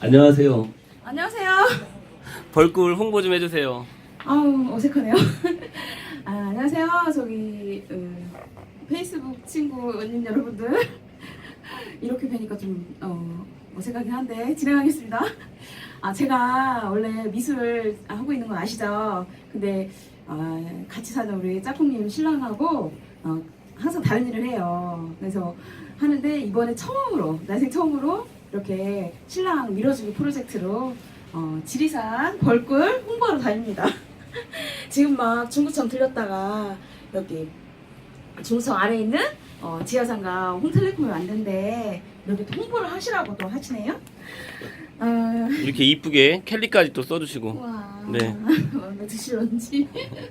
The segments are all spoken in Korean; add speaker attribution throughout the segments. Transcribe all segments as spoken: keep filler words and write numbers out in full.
Speaker 1: 안녕하세요.
Speaker 2: 안녕하세요.
Speaker 1: 벌꿀 홍보 좀 해주세요.
Speaker 2: 아우 어색하네요. 아, 안녕하세요. 저기 음, 페이스북 친구 언님 여러분들 이렇게 뵈니까 좀 어, 어색하긴 한데 진행하겠습니다. 아 제가 원래 미술 하고 있는 건 아시죠? 근데 아, 같이 사는 우리 짝꿍님 신랑하고 어, 항상 다른 일을 해요. 그래서 하는데 이번에 처음으로 난생 처음으로 이렇게 신랑 밀어주기 프로젝트로 어, 지리산 벌꿀 홍보하러 다닙니다. 지금 막 중구청 들렸다가 여기 중구청 아래에 있는 어, 지하상가 홍텔레콤에 왔는데 여기 또 홍보를 하시라고 또 하시네요. 아,
Speaker 1: 이렇게 이쁘게 캘리까지 또 써주시고.
Speaker 2: 와,
Speaker 1: 네.
Speaker 2: 마음에 드시런지.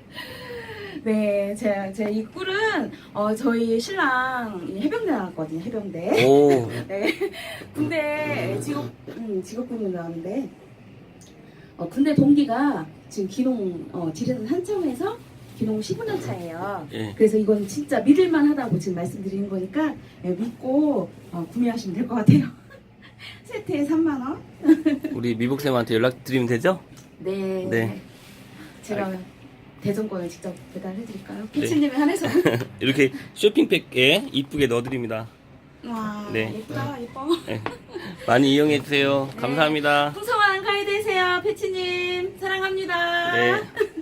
Speaker 2: 네, 제, 제 이 꿀은 어, 저희 신랑 해병대 나왔거든요, 해병대.
Speaker 1: 오.
Speaker 2: 네, 군대 직업, 음, 직업군인 나왔는데 어, 군대 동기가 지금 기농 어, 지리산 산청에서 기농 십오 년 차예요.
Speaker 1: 예.
Speaker 2: 그래서 이건 진짜 믿을만 하다고 지금 말씀드리는 거니까 예, 믿고 어, 구매하시면 될 것 같아요. 세트에 삼만 원.
Speaker 1: 우리 미복쌤한테 연락드리면 되죠?
Speaker 2: 네.
Speaker 1: 네.
Speaker 2: 제가 대전권을 직접 배달해드릴까요? 피치님에 한해서.
Speaker 1: 이렇게 쇼핑백에 이쁘게 넣어드립니다.
Speaker 2: 와,
Speaker 1: 네.
Speaker 2: 예쁘다, 예뻐.
Speaker 1: 네. 많이 이용해주세요. 감사합니다.
Speaker 2: 풍성한 가을 되세요, 패치님. 사랑합니다.
Speaker 1: 네.